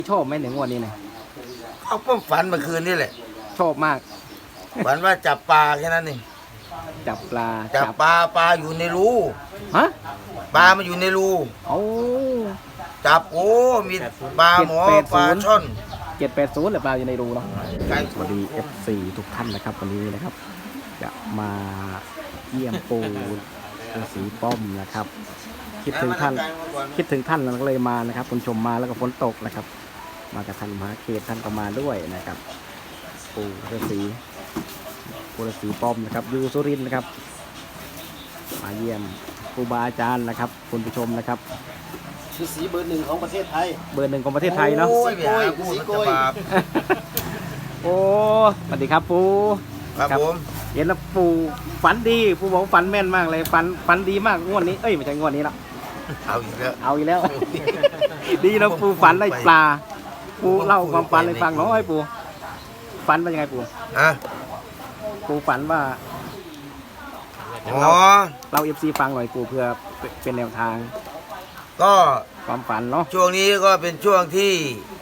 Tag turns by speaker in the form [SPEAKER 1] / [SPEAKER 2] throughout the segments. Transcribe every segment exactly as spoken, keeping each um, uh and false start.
[SPEAKER 1] ชอบไหมหนึ่งวันนี้เนี่ย
[SPEAKER 2] เอาป้อมฝันเมื่อคืนนี่แหละ
[SPEAKER 1] ชอบมาก
[SPEAKER 2] ฝันว่าจับปลาแค่นั้นเอง
[SPEAKER 1] จับปลา
[SPEAKER 2] จับปลาปลาอยู่ในรู
[SPEAKER 1] ฮะ
[SPEAKER 2] ปลามันอยู่ในรู
[SPEAKER 1] โอ้
[SPEAKER 2] จับโอ้มีปลาหมอปลาช่อน
[SPEAKER 1] เจ็ดแปดศูนย์หรือปลาอยู่ในรูเนาะสวัสดีเอฟซีทุกท่านนะครับวันนี้นะครับจะมาเยี่ยมปูฤาษีป้อมนะครับคิดถึงท่านคิดถึงท่านเราก็เลยมานะครับคุณชมมาแล้วก็ฝนตกนะครับมากับท่านมหาเขตท่านก็มาด้วยนะครับปูฤาษีปูฤาษีป้อมนะครับอยู่สุรินทร์นะครับมาเยี่ยมครูบาอาจารย์นะครับคุณผู้ชมนะครับ
[SPEAKER 3] ฤาษีเบอร์หนึ่งของประเทศไทย
[SPEAKER 1] เบอร์หนึ่งของประเทศไทยเนาะ
[SPEAKER 2] โอ้ยโอ้ยสีโกย
[SPEAKER 1] โอ้สวัสดีครับปู
[SPEAKER 2] ครับผม
[SPEAKER 1] เห็นแล้วปูฝันดีปูบอกฝันแม่นมากเลยฝันฝันดีมากงวดนี้เอ้ยไม่ใช่งวดนี้แล้ว
[SPEAKER 2] เอาอีกแล้ว
[SPEAKER 1] เอาอีกแล้วดีนะปูฝันได้ปลาปูเล่าความฝันให้ฟังหน่อยปูฝันเป็นยังไงปู
[SPEAKER 2] ฮะ
[SPEAKER 1] ปูฝันว่า
[SPEAKER 2] อ๋อ
[SPEAKER 1] เราเอฟซีฟังหน่อยปูเพื่อเป็นแนวทาง
[SPEAKER 2] ก็
[SPEAKER 1] ความฝันเนาะ
[SPEAKER 2] ช่วงนี้ก็เป็นช่วงที่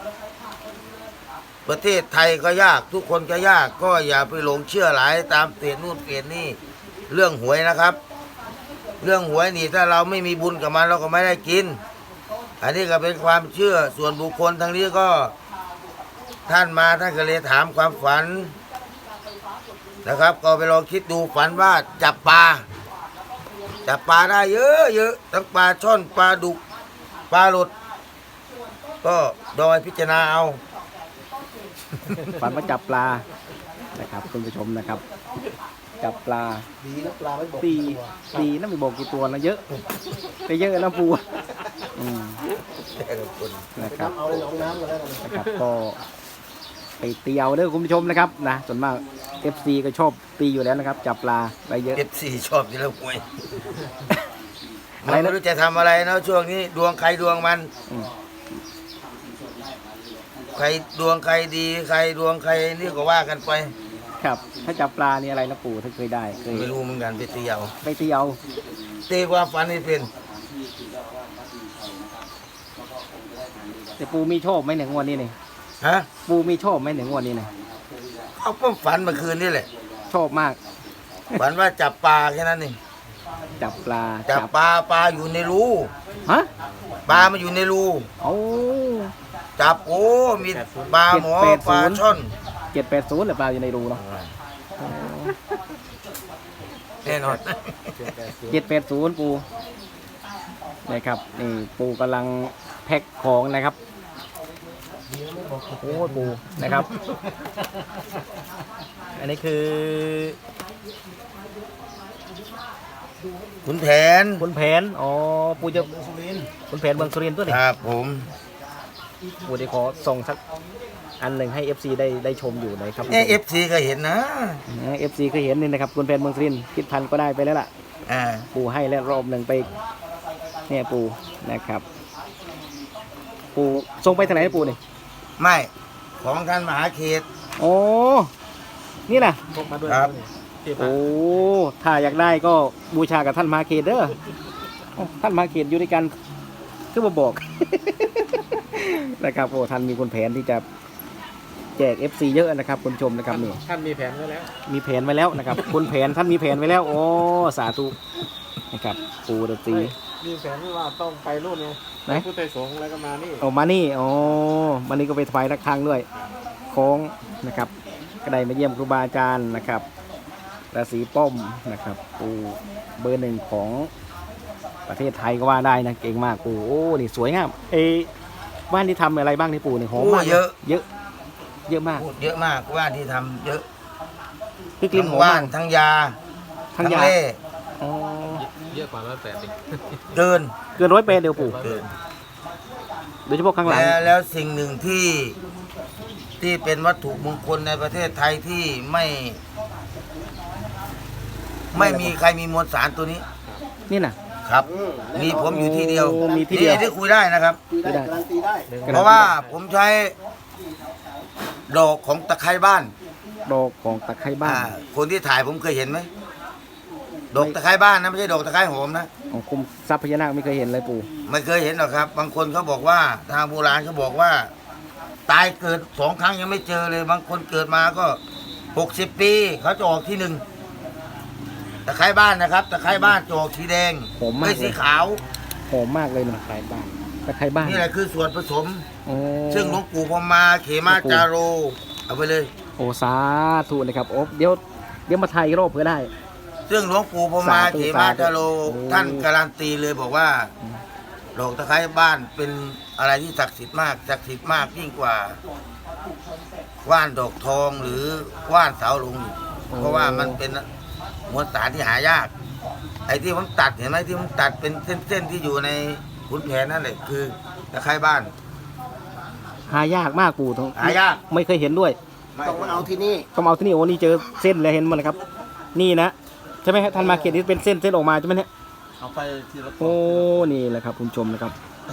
[SPEAKER 2] ประเทศไทยก็ยากทุกคนก็ยากก็อย่าไปหลงเชื่อหลายตามเพจนู่นเพจนี่เรื่องหวยนะครับเรื่องหวยนี่ถ้าเราไม่มีบุญกับมันเราก็ไม่ได้กินอันนี้ก็เป็นความเชื่อส่วนบุคคลทางนี้ก็ท่านมาท่านก็เลยถามความฝันนะครับก็ไปลองคิดดูฝันว่าจับปลาจับปลาได้เยอะเยอะทั้งปลาช่อนปลาดุกปลาหลดก็โดยพิจารณาเอา
[SPEAKER 1] ฝันว่าจับปลานะครับคุณผู้ชมนะครับจับปลา
[SPEAKER 3] ดีนะปลาไม่บอก
[SPEAKER 1] ตีตีนั่นไม่บอกกี่ตัวนะเยอะไปเยอะนะปูอืมนะครับ
[SPEAKER 3] เอาเลยลงน้ำแล้ว
[SPEAKER 1] นะครับก็ไปตีเอาเด้อคุณผู้ชมนะครับนะส่วนมาก เอฟ ซี ก็ชอบตีอยู่แล้วนะครับจับปลาไปเยอะ
[SPEAKER 2] เอฟ ซี ชอบที่เราหวยไม่รู้จะทำอะไรนะช่วงนี้ดวงใครดวงมันใครดวงใครดีใครดวงใครนี่ก็ว่ากันไป
[SPEAKER 1] ครับถ้าจับปลานี่อะไรนะปู่ถ้าเคยได้เคย
[SPEAKER 2] ไม่รู้เหมือนกันไปตีเอา
[SPEAKER 1] ไปตีเอา
[SPEAKER 2] ตีความฝันนี่เป็น
[SPEAKER 1] แต่ปู่มีโชคไหมหนึ่งวันนี้เนี่ย
[SPEAKER 2] ฮะ
[SPEAKER 1] ปู่มีโชคไหมหนึ่งวันนี้เนี่ย
[SPEAKER 2] เอาป้อมฝันเมื่อคืนนี่แหละ
[SPEAKER 1] โชคมาก
[SPEAKER 2] ฝันว่าจับปลาแค่นั้นเอง
[SPEAKER 1] จับปลา
[SPEAKER 2] จับปลาปลาอยู่ในรู
[SPEAKER 1] ฮะ
[SPEAKER 2] ปลามันอยู่ในรู
[SPEAKER 1] โอ้
[SPEAKER 2] จับโอ้มีปลาหมอปลาช่อน
[SPEAKER 1] เจ็ดแปดศูนย์หรือปลาอยู่ในรูเนาะ
[SPEAKER 2] แน่นอน
[SPEAKER 1] เจ็ดแปดศูนย์ปูนะครับนี่ปูกำลังแพ็คของนะครับโอ้ปูนะครับอันนี้คือ
[SPEAKER 2] ขุนแผน
[SPEAKER 1] ขุนแผนอ๋อปูจะขุนแผนเมืองสุรินทร์ตัวนี้
[SPEAKER 2] ครับผม
[SPEAKER 1] ปูได้ขอส่งสักอันหนึ่งให้ เอฟ ซี ได้ได้ชมอยู่นะครับ
[SPEAKER 2] เอฟซีก็เห็นนะ
[SPEAKER 1] เอฟ ซี ก็เห็นนี่นะครับขุนแผนเมืองสุรินทร์คิดพันก็ได้ไปแล้วล่ะปูให้แล้วรอบหนึ่งไปเนี่ยปูนะครับปูส่งไปทางไหนปูนี่
[SPEAKER 2] ไม่ของท่านมหาเขต
[SPEAKER 1] โอ้นี่นะครับโอ้ถ้าอยากได้ก็บูชากับท่านมหาเขตเด้อท่านมหาเขตอยู่ด้วยกันคือมาบอกนะครับโอ้ท่านมีคนแผนที่จะแจก เอฟ ซี เยอะนะครับคุณชมนะครับนี่
[SPEAKER 3] ท่านมีแผนไว้แล้ว
[SPEAKER 1] มีแผนไว้แล้วนะครับคนแผนท่านมีแผนไว้แล้วโอ้สาธุนะครับปูฤาษี
[SPEAKER 3] มีแผนว่าต้องไปนู่นไงไหนผู้ไต่สงแล้วก็มานี่
[SPEAKER 1] โอ้มานี่โอ้มานี่ก็ไปถวายระฆังด้วยโค้งนะครับก็ได้มาเยี่ยมครูบาอาจารย์นะครับฤาษีป้อมนะครับปูเบอร์หนึ่งของประเทศไทยก็ว่าได้นะเก่งมากปูโอ้นี่สวยงามเอบ้านที่ทำอะไรบ้างนี่ปูนี่หอมมาก
[SPEAKER 2] เยอะ
[SPEAKER 1] เยอะเยอะมาก
[SPEAKER 2] เยอะมากบ้านที่ทำเยอะ
[SPEAKER 1] พี่กลิ่นหอมมาก
[SPEAKER 2] ทั้งยา
[SPEAKER 1] ทั้งยา
[SPEAKER 3] อ๋อเยอะกว่าร้อยแปดสิ
[SPEAKER 2] เกิน
[SPEAKER 1] เกินร้อยแปดเดียวปูโดยเฉพาะข้างหลัง
[SPEAKER 2] แล้วสิ่งหนึ่งที่ที่เป็นวัตถุมงคลในประเทศไทยที่ไม่ไม่มีใครมีมวลสารตัวนี้
[SPEAKER 1] นี่นะครับ
[SPEAKER 2] มีผมอยู่ที่เดียว
[SPEAKER 1] มีที่เดียว
[SPEAKER 2] ที่คุยได้นะครับ
[SPEAKER 3] ได้การันตีได้
[SPEAKER 2] เพราะว่าผมใช้ดอกของตะไคร้บ้าน
[SPEAKER 1] ดอกของตะไคร้บ้าน
[SPEAKER 2] คนที่ถ่ายผมเคยเห็นไหมดอกตะไคร้บ้านนะไม่ใช่ดอกตะไคร้หอมนะ
[SPEAKER 1] ของคุมทรัพย์พญานาคไม่เคยเห็นเลยปู่
[SPEAKER 2] ไม่เคยเห็นหรอกครับบางคนเขาบอกว่าทางโบราณเขาบอกว่าตายเกิดสองครั้งยังไม่เจอเลยบางคนเกิดมาก็หกสิบปีเขาจะออกที่หนึ่งตะไคร้บ้านนะครับตะไคร้บ้านจะออกสีแดง
[SPEAKER 1] ผมมาก
[SPEAKER 2] ไม่
[SPEAKER 1] เล
[SPEAKER 2] สี
[SPEAKER 1] ย
[SPEAKER 2] ขาว
[SPEAKER 1] หอมมากเลยนะตะไคร้บ้านตะไคร้บ้าน
[SPEAKER 2] นี่แหละคือส่วนผสม
[SPEAKER 1] โอ้
[SPEAKER 2] ซึ่งหลวงปู่พรหมมาเขมาจาโรเอาไปเลย
[SPEAKER 1] โอ้สาธุนะครับโอ้เดี๋ยวเดี๋ยวมาไทยรอบเพื่อได้
[SPEAKER 2] ซึ่งหลวงปู่พรหมมา
[SPEAKER 1] สาธุ
[SPEAKER 2] เขมาจาโร
[SPEAKER 1] โอ้
[SPEAKER 2] ท่านการันตีเลยบอกว่าดอกตะไคร้บ้านเป็นอะไรที่ศักดิ์สิทธิ์มากศักดิ์สิทธิ์มากยิ่งกว่าว่านดอกทองหรือว่านเสาหลงอีกเพราะว่ามันเป็นมวลสารที่หายาก ไอ้ที่ผมตัดเห็นไหมที่ผมตัดเป็นเส้นๆที่อยู่ในขุนแผนนั่นแหละคือตะไคร้บ้าน
[SPEAKER 1] หายากมากปู่ตรง
[SPEAKER 2] หายาก
[SPEAKER 1] ไม่เคยเห็นด้วย
[SPEAKER 4] ต้องมาเอาที่นี่
[SPEAKER 1] ก็มาเอาที่นี่โอ้นี่เจอเส้นเลยเห็นมันนะครับ นี่นะใช่ไหมฮะท่านมาเขียนนี่เป็นเส้นเส้นออกมาใช่ไหมเนี่ย
[SPEAKER 3] เอาไปทีละ
[SPEAKER 1] โอ้นี่แหละครับคุณผู้ชมนะครับ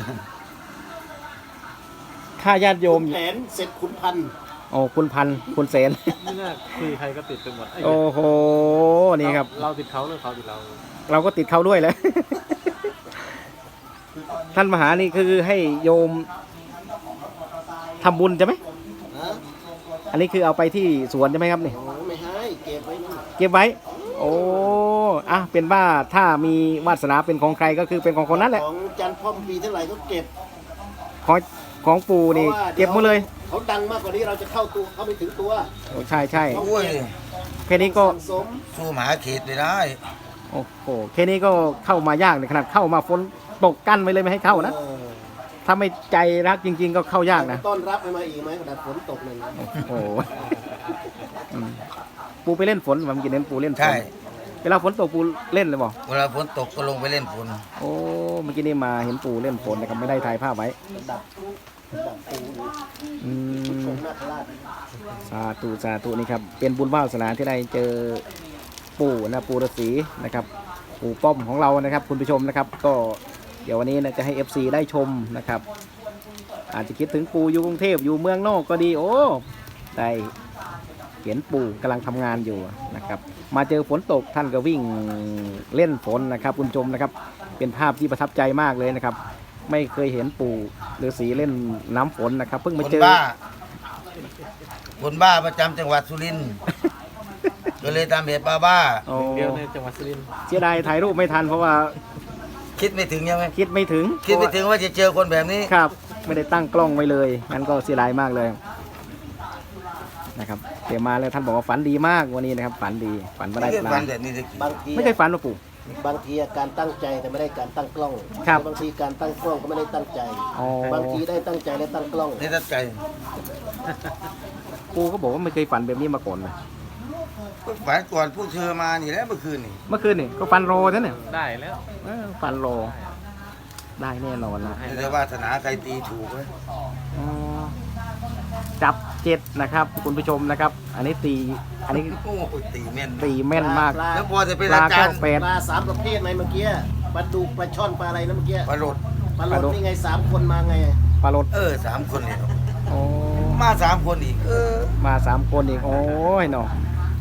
[SPEAKER 1] ค่าญาติโยม
[SPEAKER 4] แผนเสร็จขุนพันธุ์
[SPEAKER 1] โอ้คุณพันคุณเสน
[SPEAKER 3] นี่น่าคุยใครก็ติดไปหมดไอ้
[SPEAKER 1] โอ้โหนี่ครับ
[SPEAKER 3] เราติดเขาหรือเขาติดเรา
[SPEAKER 1] เราก็ติดเขาด้วยแหล้ว ท่านมหานี่คือให้โยมทำบุญใช่ไหม
[SPEAKER 4] นะ
[SPEAKER 1] อันนี้คือเอาไปที่สวนใช่ไหมครับนี่
[SPEAKER 4] โอ้ไม่ให้เก็บไว้นี่
[SPEAKER 1] เก็บไว้ โอ้อะเป็นว่าถ้ามีวาสนาเป็นของใครก็คือเป็นของคนนั้นแหละ
[SPEAKER 4] ของจันทร์พ่อมปีเท่าไหร่ก็เก็บ
[SPEAKER 1] ของของปู่นี่
[SPEAKER 4] พราะว่า
[SPEAKER 1] เก็บหมดเลย
[SPEAKER 4] เขาดังมากกว่านี้เราจะเข้าตัวเข้าไม่ถึงตัว
[SPEAKER 1] โอ้ใช่ใช่
[SPEAKER 2] โอ้ย
[SPEAKER 1] แค่นี้ก็
[SPEAKER 4] สั่งสม
[SPEAKER 2] สู้มหาเขตไม่ได้
[SPEAKER 1] โอ้โหแค่นี้ก็เข้ามายากในขนาดเข้ามาฝนตกกั้นไว้เลยไม่ให้เข้านะ
[SPEAKER 4] เออ
[SPEAKER 1] ถ้าไม่ใจรักจริง ๆ ก็เข้ายากนะ
[SPEAKER 4] ต้อนรับให้มาอีกไหมขนาดฝนตกเลยนะ
[SPEAKER 1] โอ้โหอืมปูไปเล่นฝนผมกินเน้นปูเล่นฝน
[SPEAKER 2] ใช่
[SPEAKER 1] เวลาฝนตกปูเล่นเลยบอก
[SPEAKER 2] เวลาฝนตกก็ลงไปเล่นฝน
[SPEAKER 1] โอ้เมื่อกี้นี่มาเห็นปูเล่นฝนนะครับไม่ได้ถ่ายภาพไว้
[SPEAKER 4] ดับดับปู
[SPEAKER 1] อื
[SPEAKER 4] ช
[SPEAKER 1] ม
[SPEAKER 4] มนาคราช
[SPEAKER 1] สาธุสาธุนี่ครับเป็นบุญวาสนาที่ได้เจอปู่นะปู่ฤาษีนะครับปู่ป้อมของเรานะครับ คุณผู้ชมนะครับ ก็เดี๋ยววันนี้นะจะให้ เอฟ ซี ได้ชมนะครับ อาจจะคิดถึงปู่อยู่กรุงเทพอยู่เมืองนอกก็ดีโอ้ได้เห็นปู่กำลังทำงานอยู่นะครับ มาเจอฝนตกท่านก็วิ่งเล่นฝนนะครับ คุณผู้ชมนะครับ เป็นภาพที่ประทับใจมากเลยนะครับ ไม่เคยเห็นปู่ฤาษีเล่นน้ำฝนนะครับ เพิ่ง
[SPEAKER 2] ค
[SPEAKER 1] มาน เจอ
[SPEAKER 2] บ้าคนบ้าประจำจังหวัดสุรินทร์ ก็เลยทำเหตุบ้าบ้า
[SPEAKER 1] โอ้
[SPEAKER 3] เดียวในจังหวัดสุรินทร์
[SPEAKER 1] เสียดายถ่ายรูปไม่ทันเพราะว่า
[SPEAKER 2] คิดไม่ถึงยังไง
[SPEAKER 1] คิดไม่ถึง
[SPEAKER 2] คิดไม่ถึงว่าจะเจอคนแบบนี้
[SPEAKER 1] ครับ ไม่ได้ตั้งกล้องไว้เลยงั้นก็เสียดายมากเลยนะครับเดี๋ยวมาแล้วท่านบอกว่าฝันดีมากวันนี้นะครับ ฝันดีฝันว่าได้
[SPEAKER 2] ไม่
[SPEAKER 1] ป
[SPEAKER 2] เคย
[SPEAKER 1] ลา
[SPEAKER 2] ฟันแบบนี้เลย
[SPEAKER 4] บางที
[SPEAKER 1] ไม่เคยฝันว่าปู่
[SPEAKER 4] บางทีการตั้งใจแต่ไม่ได้การตั้งกล้อง
[SPEAKER 1] ครับ
[SPEAKER 4] บางทีการตั้งกล้องก็ไม่ได้ตั้งใจ
[SPEAKER 1] อ๋อบ
[SPEAKER 4] างทีได้ตั้งใจและตั้งกล้อง
[SPEAKER 2] นี่ตั้งใจ
[SPEAKER 1] ปู่ก็บอกว่าไม่เคยฝันแบบนี้มาก่อนเลย
[SPEAKER 2] ฝันก่อนผู้เชอมานี่แหล้วเมื่อคืนนี่
[SPEAKER 1] เมื่อคืนนี่ก็ฝันโรนั่นเนี่ย
[SPEAKER 3] ได้แล้ว
[SPEAKER 1] เออฝันโรได้แน่นอนนะ
[SPEAKER 2] ไม่ได้วาสนาใครตีถูกเลย
[SPEAKER 1] อ๋อจับเจ็ดนะครับ คุณผู้ชมนะครับ อันนี้ตีอันนี้
[SPEAKER 2] โอ้โหตีแม่น
[SPEAKER 1] ตีแม่นมาก
[SPEAKER 4] ปลา
[SPEAKER 2] แล้วพอจะเป็น
[SPEAKER 1] ปลา
[SPEAKER 2] อาจารย์
[SPEAKER 1] ก็แปด
[SPEAKER 4] ปลาสามประเภทไหนเมื่อกี้ปลาดุกปลาช่อนปลาอะไรนะเมื่อกี้
[SPEAKER 2] ปลาโรด
[SPEAKER 4] ปลา
[SPEAKER 1] ปลา
[SPEAKER 4] โล
[SPEAKER 1] ดุ
[SPEAKER 4] ด
[SPEAKER 1] ก
[SPEAKER 4] นี่ไงสามคนมาไง
[SPEAKER 1] ปลารถ
[SPEAKER 2] เออสามคนเนี่ย
[SPEAKER 1] โอ้
[SPEAKER 2] มาสามคนอีก เออ
[SPEAKER 1] มาสามคนอีกโอ้ยเนาะ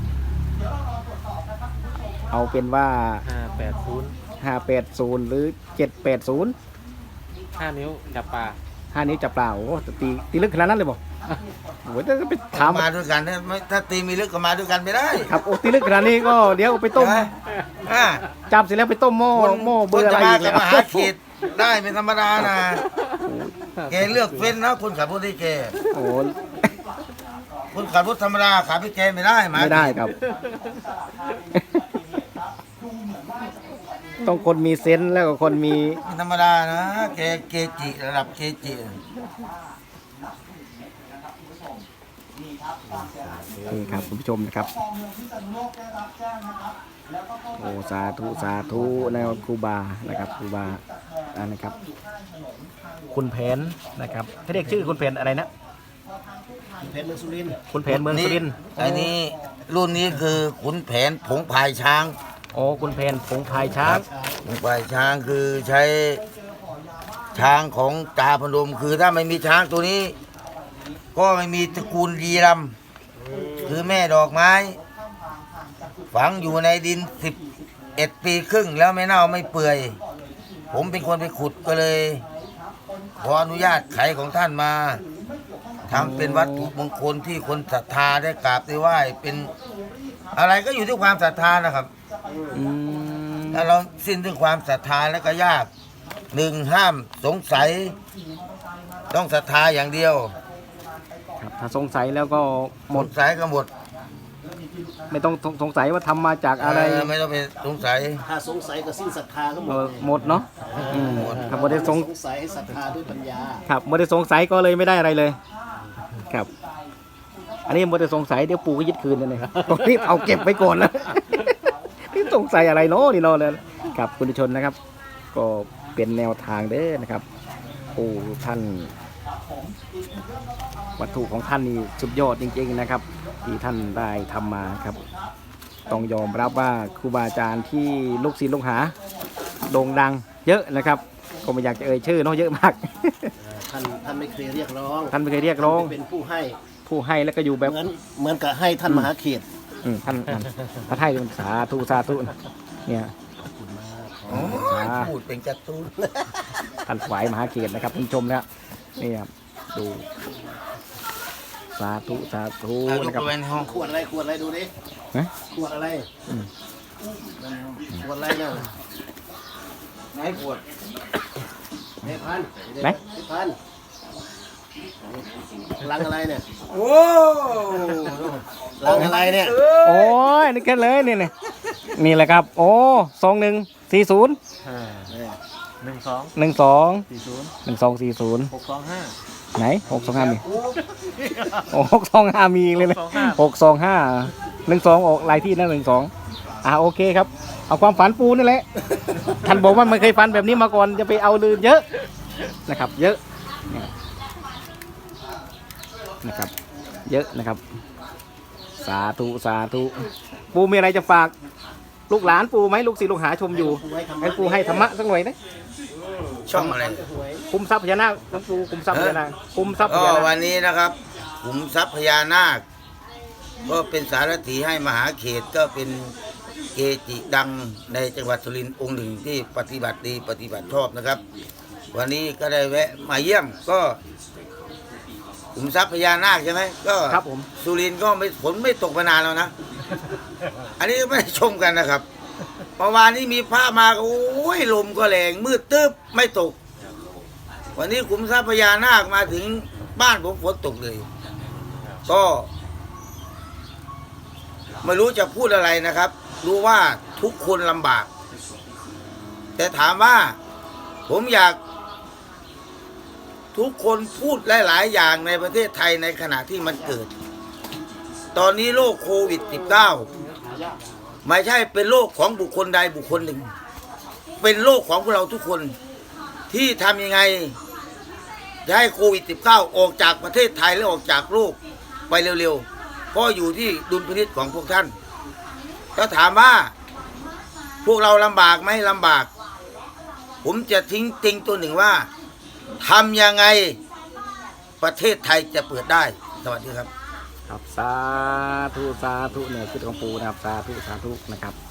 [SPEAKER 1] เอาเป็นว่า
[SPEAKER 3] ห้าแปดศูนย์
[SPEAKER 1] ห้าแปดศูนย์หรือเจ็ดแปดศูนย์
[SPEAKER 3] ห้านิ้วจับปลา
[SPEAKER 1] ห้านิ้วจับเปล่าโอ้แต่ตีตีลึกขนาดนั้นเลยบอกโอ้ยถ้าไปถาม
[SPEAKER 2] มาด้วยกันเนี่ยไม่ถ้าตีมีลึกก็มาด้วยกันไม่ได้
[SPEAKER 1] ครับโอ้ตีลึกขนาดนี้ก็เดี๋ยวไปต้ม
[SPEAKER 2] ใช่ไหอ่า
[SPEAKER 1] จับเสร็จแล้วไปต้มหม้อ
[SPEAKER 2] คน
[SPEAKER 1] หม้อเบ
[SPEAKER 2] ค
[SPEAKER 1] อนร์
[SPEAKER 2] จะ
[SPEAKER 1] อะไร
[SPEAKER 2] มา
[SPEAKER 1] อีก
[SPEAKER 2] กับ
[SPEAKER 1] แล้ว
[SPEAKER 2] มหาเขตได้เป็นธรรมดานะแกเลือกเฟ้นนะคนขับรถที่แก
[SPEAKER 1] โอ้
[SPEAKER 2] คนขับรถธรรมดาขับพี่แกไม่ได้หา
[SPEAKER 1] ไม่ได้ครับ ต้องคนมีเซนส์แล้วก็คนมี
[SPEAKER 2] เป็นธรรมดานะแกเกจิระดับเกจิ
[SPEAKER 1] นี่ครับคุณผู้ชมนะครับโอ้สาธุสาธุนะครับครูบานะครับครูบาอ่านะครับ คุณแผนนะครับเขาเรียกชื่อคุณแผนอะไรนะ
[SPEAKER 4] เพชรเมืองสุรินทร์
[SPEAKER 1] คุณแผนเมืองสุรินทร์
[SPEAKER 2] ไอ้นี่รุ่นนี้คือขุนแผนผงพายช้าง
[SPEAKER 1] โอ้คุณแผนผงพายช้าง
[SPEAKER 2] ผงพายช้างคือใช้ช้างของตาพนมคือถ้าไม่มีช้างตัวนี้ ก็ไม่มีตระกูลดีรำคือแม่ดอกไม้ ฝังอยู่ในดินสิบเอ็ดปีครึ่งแล้วไม่เน่าไม่เปื่อย ผมเป็นคนไปขุดก็เลย ขออนุญาตไขของท่านมาทำเป็นวัตถุมงคลที่คนศรัทธาได้กราบได้ไหว้เป็นอะไรก็อยู่ที่ความศรัทธานะครับ
[SPEAKER 1] อืม
[SPEAKER 2] ถ้าเราสิ้นถึงความศรัทธาแล้วก็ยากหนึ่งห้ามสงสัย ต้องศรัทธาอย่างเดียว
[SPEAKER 1] ครับถ้าสงสัยแล้วก็ห
[SPEAKER 2] ห
[SPEAKER 1] ม
[SPEAKER 2] ม
[SPEAKER 1] ด
[SPEAKER 2] ดสายก็หมด
[SPEAKER 1] ไม่ต้องสงสัยว่าทำมาจากอะไร
[SPEAKER 2] เไม่ต้องไปสงสัย
[SPEAKER 4] ถ้าสงสัยก็สิ้นศรัทธาก็หม
[SPEAKER 1] เอ
[SPEAKER 4] ด
[SPEAKER 1] อหมดเนาะอืมครับไม่ได้สง
[SPEAKER 4] สงสัยให้ศรัทธาด้วยปัญญา
[SPEAKER 1] ครับไม่ได้สงสัยก็เลยไม่ได้อะไรเลย ครับ อันนี้ไม่ได้สงสัยเดี๋ยวปู่ก็ยึดคืนเลยนะครับต้องรีบเอาเก็บไว้ก่อนแล้ว นี่สงสัยอะไรเนาะนี่เนาะเลยครับคุณผู้ชมนะครับ ก็เป็นแนวทางเด้อนะครับปู่ท่าน วัตถุของท่านนี่สุดยอดจริงๆนะครับ ที่ท่านได้ทำมาครับ ต้องยอมรับว่าครูบาอาจารย์ที่ลูกศิษย์ลูกหาโด่งดังเยอะนะครับก็ไม่อยากจะเอ่ยชื่อเนาะเยอะมาก
[SPEAKER 4] ท่านท่านไม่เคยเรียกร้อง
[SPEAKER 1] ท่านไม่เคยเรียกร้อง
[SPEAKER 4] เป็นผู้ให้
[SPEAKER 1] ผู้ให้แล้วก็อยู่แบบ
[SPEAKER 4] เหมือนเหมือนกับให้ท่านมหาเขต
[SPEAKER 1] อืมท่านท่านท่านให้เป็นสาธุสาธุเนี่ย
[SPEAKER 2] โอ้ยพูดเป็นการ์ตูน
[SPEAKER 1] ท่านถวายมหาเขตนะครับคุณผู้ชมนะนี่ครับดูสาธุสาธุ
[SPEAKER 2] อ่ะยก
[SPEAKER 1] นะครับ
[SPEAKER 2] ไปในห้อง
[SPEAKER 4] ขวดอะไรขวดอะไรดูดิ
[SPEAKER 1] นะ
[SPEAKER 4] ขวดอะไร
[SPEAKER 1] อืม
[SPEAKER 4] ขวดอะไรเนี่ย
[SPEAKER 2] ไหนปวด
[SPEAKER 4] เนพัน
[SPEAKER 1] ไหน
[SPEAKER 4] เนพันลังอะไรเนี่ย
[SPEAKER 2] โอ้
[SPEAKER 4] ลังอะไรเนี่ย
[SPEAKER 1] โอ้ยนี่กันเลยนี่นี่นี่แหละครับ โอ้สองหนึ่งสี่ศูนย์
[SPEAKER 3] อ่าหนึ่งสอง
[SPEAKER 1] หนึ่งสอง
[SPEAKER 3] สี่ศูนย์
[SPEAKER 1] หนึ่งสองสี่ศูนย์
[SPEAKER 3] หกสองห้า
[SPEAKER 1] ไหนหกสองห้ามีโอ้หกสองห้ามีเลยนะ
[SPEAKER 3] หกสองห้า
[SPEAKER 1] หกสองห้าหนึ่งสองออกลายที่นั่นหนึ่งสองอ่าโอเคครับ เอาความฝันปูนี่แหละ ท่านบอกว่าไม่เคยฝันแบบนี้มาก่อนจะไปเอาลืมเยอะนะครับ เยอะนะครับ เยอะนะครับ สาธุสาธุปูมีอะไรจะฝากลูกหลานปูไหมลูกศิษย์ลูกหาชมอยู่ให้ปูให้ธรรมะสักหน่อยนะ
[SPEAKER 2] ช่องอะไร
[SPEAKER 1] คุมทรัพย์พญานาคหลวงปูคุมทรัพย์พญานาคคุมทรัพย์พ
[SPEAKER 2] ก็
[SPEAKER 1] ญานา
[SPEAKER 2] วั
[SPEAKER 1] คน
[SPEAKER 2] นี้นะครับขุมทรัพย์พญานาค ก็เป็นสารถีให้มหาเขตก็เป็นเกจิดังในจังหวัดสุรินทร์องค์หนึ่งที่ปฏิบัติดีปฏิบัติชอบนะครับ วันนี้ก็ได้แวะมาเยี่ยมก็ขุมทรัพย์พญานาคใช่ไหมก็
[SPEAKER 1] ครับผม
[SPEAKER 2] สุรินทร์ก็ไม่ฝนไม่ตกมานานแล้วนะ อันนี้ไม่ได้ชมกันนะครับเมื่อวานนี้มีพระมาโอ้ยลมก็แรงมืดตึ๊บไม่ตก วันนี้ขุมทรัพย์พญานาคมาถึงบ้านผมฝนตกเลย ก็ไม่รู้จะพูดอะไรนะครับ รู้ว่าทุกคนลำบาก แต่ถามว่าผมอยาก ทุกคนพูดหลาย ๆ อย่างในประเทศไทยในขณะที่มันเกิด ตอนนี้โรคโควิด สิบเก้า ไม่ใช่เป็นโรคของบุคคลใดบุคคลหนึ่ง เป็นโรคของพวกเราทุกคนที่ทำยังไงจะให้โควิด สิบเก้า ออกจากประเทศไทยและออกจากโลกไปเร็วๆเพราะอยู่ที่ดุลพินิจของพวกท่านถ้าถามว่าพวกเราลำบากไหมลำบาก ผมจะทิ้งติงตัวหนึ่งว่าทำยังไงประเทศไทยจะเปิดได้สวัสดีครับ
[SPEAKER 1] ครับสาธุสาธุเนี่ยคือของปูนะครับสาธุสาธุนะครับ